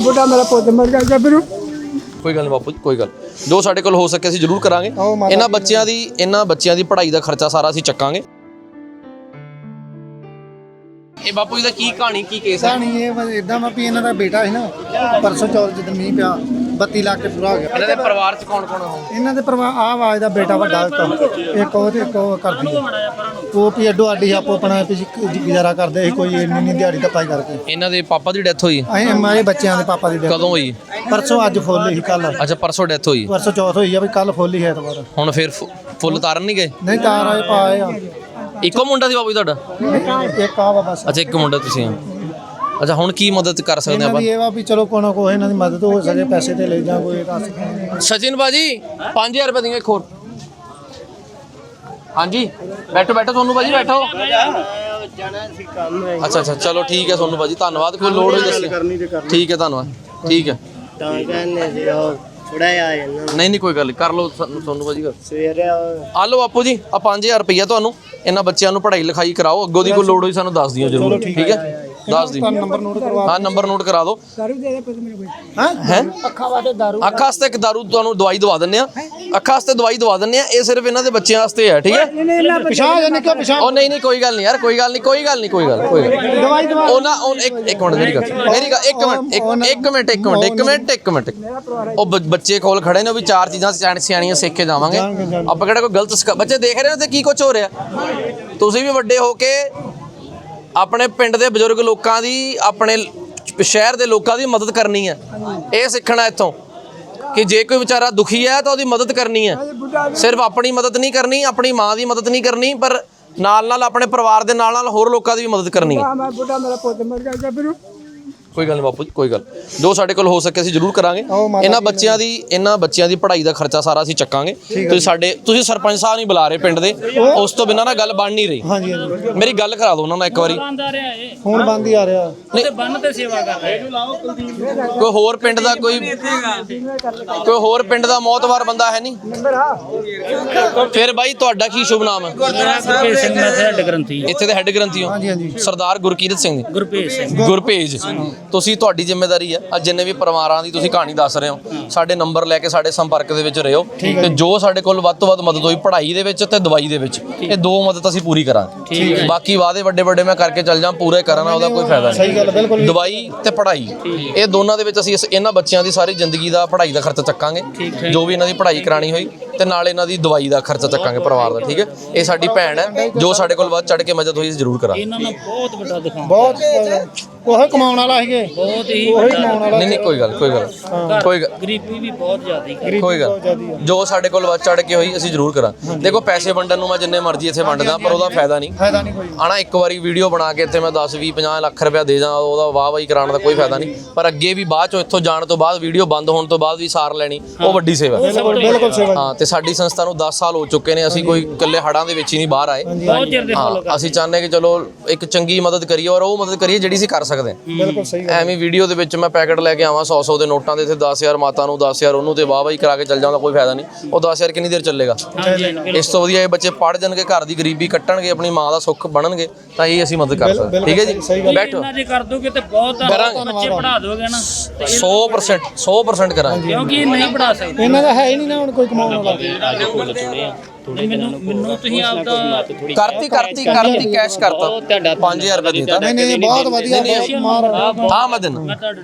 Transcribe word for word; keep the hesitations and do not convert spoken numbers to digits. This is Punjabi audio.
बुढ़ा मेरा पुत मर गया गबरू ਕੋਈ ਗੱਲ ਨਹੀਂ ਬਾਪੂ ਜੀ, ਕੋਈ ਗੱਲ ਜੋ ਸਾਡੇ ਕੋਲ ਹੋ ਸਕੇ ਅਸੀਂ ਜ਼ਰੂਰ ਕਰਾਂਗੇ। ਇਹਨਾਂ ਬੱਚਿਆਂ ਦੀ ਇਹਨਾਂ ਬੱਚਿਆਂ ਦੀ ਪੜ੍ਹਾਈ ਦਾ ਖਰਚਾ ਸਾਰਾ ਅਸੀਂ ਚੱਕਾਂਗੇ। ਇਹ ਬਾਪੂ ਜੀ ਦਾ ਕੀ ਕਹਾਣੀ ਕੀ ਕੇਸ ਹੈ? ਕਹਾਣੀ ਇਹ ਇਦਾਂ ਵਾ ਵੀ ਇਹਨਾਂ ਦਾ ਬੇਟਾ ਸੀ ਨਾ ਪਰਸੋਂ ਚੌਥ ਜਦੋਂ ਮੀਂਹ ਪਿਆ ਬੱਤੀ ਲੱਖ ਕੇ ਪੂਰਾ ਹੋ ਗਿਆ। ਇਹਨਾਂ ਦੇ ਪਰਿਵਾਰ ਚ ਕੌਣ ਕੌਣ ਹੋ? ਇਹਨਾਂ ਦੇ ਪਰਿਵਾਰ ਆਹ ਆਵਾਜ਼ ਦਾ ਬੇਟਾ ਵੱਡਾ ਇੱਕ ਉਹ ਤੇ ਇੱਕ ਉਹ ਕਰਦੀ ਹੈ ਉਹ ਵੀ ਅੱਡੋ ਅੱਡੀ ਆਪੋ ਆਪਣਾ ਗੁਜ਼ਾਰਾ ਕਰਦੇ ਸੀ ਕੋਈ ਇੰਨੀ ਨਹੀਂ ਦਿਹਾੜੀ ਧੱਪਾ ਕਰਕੇ। ਇਹਨਾਂ ਦੇ ਪਾਪਾ ਦੀ ਡੈਥ ਹੋਈ ਅਸੀਂ ਮਾਏ ਬੱਚਿਆਂ ਦੇ ਪਾਪਾ ਦੀ death ਕਦੋਂ ਹੋਈ? ਪਰਸੋਂ ਅੱਜ ਫੁੱਲ ਹੀ ਕੱਲ ਅੱਛਾ ਪਰਸੋਂ ਡੈਥ ਹੋਈ। ਪਰਸੋਂ ਚੌਥ ਹੋਈ ਆ ਵੀ ਕੱਲ ਫੁੱਲ ਹੀ ਹੈ ਐਤਵਾਰ। ਹੁਣ ਫਿਰ ਫੁ- ਫੁੱਲ ਤਾਰਨ ਨਹੀਂ ਗਏ? ਨਹੀਂ ਤਾਰ ਆਏ ਪਾਏ ਆ ਇੱਕੋ ਮੁੰਡਾ ਸੀ ਬਾਪੂ ਜੀ ਤੁਹਾਡਾ? ਇੱਕ ਆ ਵਾ ਬਸ। ਅੱਛਾ ਇੱਕ ਮੁੰਡਾ ਤੁਸੀਂ ਆ। ਅੱਛਾ ਹੁਣ ਕੀ ਮਦਦ ਕਰ ਸਕਦੇ ਇਹਨਾਂ ਆਪਾਂ? ਦੀ ਇਹ ਵਾ ਵੀ ਚਲੋ ਕੋਈ ਨਾ ਕੋਈ ਇਹਨਾਂ ਦੀ ਮਦਦ ਹੋ ਸਕੇ ਪੈਸੇ ਤੇ ਲੈ ਜਾਂ ਕੋਈ ਰਸ। ਸਚਿਨ ਬਾਜੀ ਪੰਜ ਹਜ਼ਾਰ ਰੁਪਏ ਦਿੰਗੇ ਇੱਕ ਹੋਰ। ਹਾਂਜੀ ਬੈਠੋ ਬੈਠੋ ਸੋਨੂੰ ਬਾਜੀ ਬੈਠੋ। ਅੱਛਾ ਅੱਛਾ ਚਲੋ ਠੀਕ ਹੈ ਸੋਨੂੰ ਬਾਜੀ ਧੰਨਵਾਦ। ਕੋਈ ਲੋੜ ਹੋਈ ਦੱਸਿਓ। ਠੀਕ ਹੈ ਧੰਨਵਾਦ ਠੀਕ ਹੈ। ਤਾਂ ਕਹਿੰਦੇ ਸੀ ਉਹ ਥੋੜਾ ਜਿਹਾ ਨਹੀਂ ਨਹੀਂ ਕੋਈ ਗੱਲ ਨਹੀਂ ਕਰ ਲਓ ਸੋਨੂੰ ਬਾਜੀ ਕਰ। ਸਵੇਰੇ ਆ ਲਓ ਬਾਪੂ ਜੀ ਆ ਪੰਜ ਹਜ਼ਾਰ ਰੁਪਈਆ ਤੁਹਾਨੂੰ ਇਹਨਾਂ ਬੱਚਿਆਂ ਨੂੰ ਪੜ੍ਹਾਈ ਲਿਖਾਈ ਕਰਾਓ। ਅੱਗੋਂ ਦੀ ਕੋਈ ਲੋੜ ਹੋਈ ਸਾਨੂੰ ਦੱਸ ਦਿਓ ਜ਼ਰੂਰ ਠੀਕ ਹੈ ਦੱਸ ਦਿਓ। ਨੰਬਰ ਨੋਟ ਕਰਵਾ ਹਾਂ ਨੰਬਰ ਨੋਟ ਕਰਾ ਦਿਓ। ਹਾਂ ਹੈ ਅੱਖਾਂ ਵਾਸਤੇ ਦਾਰੂ ਅੱਖਾਂ ਵਾਸਤੇ ਇੱਕ ਦਾਰੂ ਤੁਹਾਨੂੰ ਦਵਾਈ ਦਵਾ ਦਿੰਨੇ ਆ। ਅੱਖਾਂ ਵਾਸਤੇ ਦਵਾਈ ਦਵਾ ਦਿੰਨੇ ਆ। ਇਹ ਸਿਰਫ ਇਹਨਾਂ ਦੇ ਬੱਚਿਆਂ ਵਾਸਤੇ ਹੈ ਠੀਕ ਹੈ। ਪਿਸ਼ਾਬ ਜਾਂ ਨਿਕਲ ਪਿਸ਼ਾਬ ਉਹ ਨਹੀਂ ਨਹੀਂ ਕੋਈ ਗੱਲ ਨਹੀਂ ਯਾਰ ਕੋਈ ਗੱਲ ਨਹੀਂ ਕੋਈ ਗੱਲ ਨਹੀਂ ਕੋਈ ਗੱਲ ਕੋਈ ਗੱਲ ਦਵਾਈ ਦਵਾ ਉਹ ਨਾ ਉਹ ਇੱਕ ਇੱਕ ਮਿੰਟ ਮੇਰੀ ਗੱਲ ਮੇਰੀ ਗੱਲ ਇੱਕ ਮਿੰਟ ਇੱਕ ਇੱਕ ਮਿੰਟ ਇੱਕ ਮਿੰਟ ਇੱਕ ਮਿੰਟ ਇੱਕ ਮਿੰਟ ਉਹ ਬ- ਬੱਚੇ ਕੋਲ ਖੜੇ ਨੇ ਉਹ ਵੀ ਚਾਰ ਚੀਜ਼ਾਂ ਸਿਆਣ- ਸਿਆਣੀਆਂ ਸਿੱਖ ਕੇ ਜਾਵਾਂਗੇ ਆਪਾਂ ਕਿਹੜਾ ਕੋਈ ਗਲਤ ਸਿਖਾ- ਬੱਚੇ ਦੇਖ ਰਹੇ ਹੋ ਤੇ ਕੀ ਕੁਝ ਹੋ ਰਿਹਾ। ਤੁਸੀਂ ਵੀ ਵੱਡੇ ਹੋ ਕੇ ਆਪਣੇ ਪਿੰਡ ਦੇ ਬਜ਼ੁਰਗ ਲੋਕਾਂ ਦੀ ਆਪਣੇ ਸ਼ਹਿਰ ਦੇ ਲੋਕਾਂ ਦੀ ਮਦਦ ਕਰਨੀ ਹੈ। ਇਹ ਸਿੱਖਣਾ ਇੱਥੋਂ ਕਿ ਜੇ ਕੋਈ ਵਿਚਾਰਾ ਦੁਖੀ ਹੈ ਤਾਂ ਉਹਦੀ ਮਦਦ ਕਰਨੀ ਹੈ। ਸਿਰਫ ਆਪਣੀ ਮਦਦ ਨਹੀਂ ਕਰਨੀ ਆਪਣੀ ਮਾਂ ਦੀ ਮਦਦ ਨਹੀਂ ਕਰਨੀ ਪਰ ਨਾਲ ਨਾਲ ਆਪਣੇ ਪਰਿਵਾਰ ਦੇ ਨਾਲ ਨਾਲ ਹੋਰ ਲੋਕਾਂ ਦੀ ਵੀ ਮਦਦ ਕਰਨੀ ਹੈ। मैं बुढ़ा मेरा पुत मर गया गबरू ਕੋਈ ਗੱਲ ਨਹੀਂ ਬਾਪੂ ਜੀ ਕੋਈ ਗੱਲ ਜੋ ਸਾਡੇ ਕੋਲ ਹੋ ਸਕੇ ਅਸੀਂ ਜ਼ਰੂਰ ਕਰਾਂਗੇ। ਇਹਨਾਂ ਬੱਚਿਆਂ ਦੀ ਇਹਨਾਂ ਬੱਚਿਆਂ ਦੀ ਪੜ੍ਹਾਈ ਦਾ ਖਰਚਾ ਸਾਰਾ ਅਸੀਂ ਚੱਕਾਂਗੇ। ਤੁਸੀਂ ਸਾਡੇ ਤੁਸੀਂ ਸਰਪੰਚ ਸਾਹਿਬ ਨਹੀਂ ਬੁਲਾ ਰਹੇ ਪਿੰਡ ਦੇ ਉਸ ਤੋਂ ਬਿਨਾਂ ਨਾ ਗੱਲ ਬਣ ਨਹੀਂ ਰਹੀ। ਹਾਂਜੀ ਹਾਂਜੀ ਮੇਰੀ ਗੱਲ ਕਰਾ ਦਿਓ ਉਹਨਾਂ ਨਾਲ ਇੱਕ ਵਾਰੀ। ਫੋਨ ਬੰਦ ਹੀ ਆ ਰਿਹਾ ਨਹੀਂ ਬੰਨ ਤੇ ਸੇਵਾ ਕਰ ਰਹੇ ਕੋਈ ਹੋਰ ਪਿੰਡ ਦਾ ਕੋਈ ਕੋਈ ਹੋਰ ਪਿੰਡ ਦਾ ਮੌਤਵਾਰ ਬੰਦਾ ਹੈ ਨਹੀਂ? ਫਿਰ ਬਾਈ ਤੁਹਾਡਾ ਕੀ ਸ਼ੁਭ ਨਾਮ ਹੈ? ਗੁਰਪ੍ਰੀਤ ਸਿੰਘ ਮੈਂ ਹੈਡ ਗ੍ਰੰਥੀ ਇੱਥੇ ਦੇ ਹੈੱਡ ਗ੍ਰੰਥੀ ਹੋ? ਹਾਂਜੀ ਹਾਂਜੀ ਸਰਦਾਰ ਗੁਰਕੀਰਤ ਸਿੰਘ ਜੀ ਗੁਰਪ੍ਰੀਤ ਸਿੰਘ ਗੁਰਪੇਜ ਤੁਸੀਂ ਤੁਹਾਡੀ ਜ਼ਿੰਮੇਵਾਰੀ ਹੈ ਅੱਜ ਜਿੰਨੇ ਵੀ ਪਰਿਵਾਰਾਂ ਦੀ ਤੁਸੀਂ ਕਹਾਣੀ ਦੱਸ ਰਹੇ ਹੋ ਸਾਡੇ ਨੰਬਰ ਲੈ ਕੇ ਸਾਡੇ ਸੰਪਰਕ ਦੇ ਵਿੱਚ ਰਹੋ ਤੇ ਜੋ ਸਾਡੇ ਕੋਲ ਵੱਧ ਤੋਂ ਵੱਧ ਮਦਦ ਹੋਈ ਪੜ੍ਹਾਈ ਦੇ ਵਿੱਚ ਤੇ ਦਵਾਈ ਦੇ ਵਿੱਚ ਇਹ ਦੋ ਮਦਦ ਅਸੀਂ ਪੂਰੀ ਕਰਾਂਗੇ। ਬਾਕੀ ਵਾਅਦੇ ਵੱਡੇ ਵੱਡੇ ਮੈਂ ਕਰਕੇ ਚੱਲ ਜਾਂ ਪੂਰੇ ਕਰਨਾ ਉਹਦਾ ਕੋਈ ਫਾਇਦਾ ਸਹੀ ਗੱਲ ਬਿਲਕੁਲ ਨਹੀਂ। ਦਵਾਈ ਤੇ ਪੜ੍ਹਾਈ ਇਹ ਦੋਨਾਂ ਦੇ ਵਿੱਚ ਅਸੀਂ ਇਸ- ਇਹਨਾਂ ਬੱਚਿਆਂ ਦੀ ਸਾਰੀ ਜ਼ਿੰਦਗੀ ਦਾ ਪੜ੍ਹਾਈ ਦਾ ਖਰਚਾ ਚੱਕਾਂਗੇ ਜੋ ਵੀ ਇਹਨਾਂ ਦੀ ਪੜ੍ਹਾਈ ਕਰਾਣੀ ਹੋਈ ਤੇ ਨਾਲ ਇਹਨਾਂ ਦੀ ਦਵਾਈ ਦਾ ਖਰਚਾ ਚੱਕਾਂਗੇ ਪਰਿਵਾਰ ਦਾ ਠੀਕ ਹੈ। ਇਹ ਸਾਡੀ ਭੈਣ ਹੈ ਜੋ ਸਾਡੇ ਕੋਲ ਵੱਧ ਚੜ ਕੇ ਮਦਦ ਹੋਈ ਜ਼ਰੂਰ ਕਰਾਂਗੇ। ਇਹਨਾਂ ਨੂੰ ਬਹੁਤ ਵੱਡਾ ਦਿਖਾਉਂ ਬਹੁਤ ਉਹ ਕਮਾਉਣ ਵਾਲਾ ਸੀਗੇ ਬਹੁਤ ਹੀ ਉਹੀ ਕਮਾਉਣ ਵਾਲਾ ਨਹੀਂ ਨਹੀਂ ਕੋਈ ਗੱਲ ਕੋਈ ਗੱਲ ਕੋਈ ਗੱਲ ਗਰੀਬੀ ਵੀ ਬਹੁਤ ਜ਼ਿਆਦਾ ਕੋਈ ਗੱਲ ਜੋ ਸਾਡੇ ਕੋਲ ਵੱਧ ਚੜ ਕੇ ਹੋਈ ਅਸੀਂ ਜ਼ਰੂਰ ਕਰਾਂ। ਦੇਖੋ ਪੈਸੇ ਵੰਡਣ ਨੂੰ ਮੈਂ ਜਿੰਨੇ ਮਰਜ਼ੀ ਇੱਥੇ ਵੰਡਦਾ ਪਰ ਉਹਦਾ ਫਾਇਦਾ ਨਹੀਂ ਫਾਇਦਾ ਨਹੀਂ ਕੋਈ ਆਣਾ ਇੱਕ ਵਾਰੀ ਵੀਡੀਓ ਬਣਾ ਕੇ ਇੱਥੇ ਮੈਂ ਦਸ ਵੀਹ ਪੰਜਾਹ ਲੱਖ ਰੁਪਇਆ ਦੇ ਜਾਂ ਉਹਦਾ ਵਾਹ ਵਾਹੀ ਕਰਾਉਣ ਦਾ ਕੋਈ ਫਾਇਦਾ ਨਹੀਂ ਪਰ ਅੱਗੇ ਵੀ ਬਾਅਦ ਚੋਂ ਇੱਥੋਂ ਜਾਣ ਤੋਂ ਬਾਅਦ ਵੀਡੀਓ ਬੰਦ ਹੋਣ ਤੋਂ ਬਾਅਦ ਵੀ ਸਾਰ ਲੈਣੀ ਉਹ ਵੱਡੀ ਸੇਵਾ ਹੈ। ਬਿਲਕੁਲ ਸੇਵਾ ਹਾਂ ਤੇ ਸਾਡੀ ਸੰਸਥਾ ਨੂੰ ਦਸ ਸਾਲ ਹੋ ਚੁੱਕੇ ਨੇ ਅਸੀਂ ਕੋਈ ਇਕੱਲੇ ਹੜਾਂ ਦੇ ਵਿੱਚ ਹੀ ਨਹੀਂ ਬਾਹਰ ਆਏ। ਬਹੁਤ ਚਿਰ ਦੇ ਫੋਲੋ ਹਾਂ ਅਸੀਂ ਚਾਹੁੰਦੇ ਕਿ ਚਲੋ ਇੱਕ ਚੰਗੀ ਮਦਦ ਕਰੀਏ ਔਰ ਉਹ ਮਦਦ ਕਰੀਏ ਜਿਹੜੀ ਅਸੀਂ ਕਰ ਸਕਦੇ ਹਾਂ। ਬਿਲਕੁਲ ਸਹੀ ਐਵੇਂ ਵੀਡੀਓ ਦੇ ਵਿੱਚ ਮੈਂ ਪੈਕਟ ਲੈ ਕੇ ਆਵਾਂ ਸੌ ਸੌ ਦੇ ਨੋਟਾਂ ਦੇ ਇੱਥੇ ਦਸ ਹਜ਼ਾਰ ਮਾਤਾ ਨੂੰ ਦਸ ਹਜ਼ਾਰ ਉਹਨੂੰ ਤੇ ਵਾਹ ਵਾਹੀ ਕਰਾ ਕੇ ਚੱਲ ਜਾਂਦਾ ਕੋਈ ਫਾਇਦਾ ਨਹੀਂ। ਉਹ ਦਸ ਹਜ਼ਾਰ ਕਿੰਨੀ ਦੇਰ ਚੱਲੇਗਾ? ਇਸ ਤੋਂ ਵਧੀਆ ਇਹ ਬੱਚੇ ਪੜ੍ਹ ਜਾਣਗੇ ਘਰ ਦੀ ਗਰੀਬੀ ਕੱਟਣਗੇ ਆਪਣੀ ਮਾਂ ਦਾ ਸੁੱਖ ਬਣਨਗੇ ਤਾਂ ਇਹ ਅਸੀਂ ਮਦਦ ਕਰ ਸਕਦੇ ਠੀਕ ਹੈ ਜੀ। ਬੈਠੋ ਇਹਨਾਂ ਜੇ ਕਰ ਦੋਗੇ ਤੇ ਬਹੁਤ ਬੱਚੇ ਪੜ੍ਹਾ ਦੋਗੇ ਨਾ ਤੇ ਸੌ ਪਰਸੈਂਟ ਸੌ ਪਰਸੈਂਟ ਕਰਾਂਗੇ ਕਿਉਂਕਿ ਇਹ ਨਹੀਂ ਪੜ੍ਹਾ ਸਕਦੇ। ਇਹਨਾਂ ਦਾ ਹੈ ਹੀ ਨਹੀਂ ਨਾ ਹੁਣ ਕੋਈ ਕਮਾਉਣ ਵਾਲਾ। ਮੈਨੂੰ ਮੈਨੂੰ ਤੁਸੀਂ ਆਪਦਾ ਕਰਤੀ ਕਰਤੀ ਕਰਤੀ ਕੈਸ਼ ਕਰਤਾ ਪੰਜ ਹਜ਼ਾਰ ਰੁਪਏ ਦਿੱਤਾ। ਨਹੀਂ ਨਹੀਂ ਬਹੁਤ ਵਧੀਆ ਮਾਰ ਹਾਂ ਮੈਂ ਦਿਨ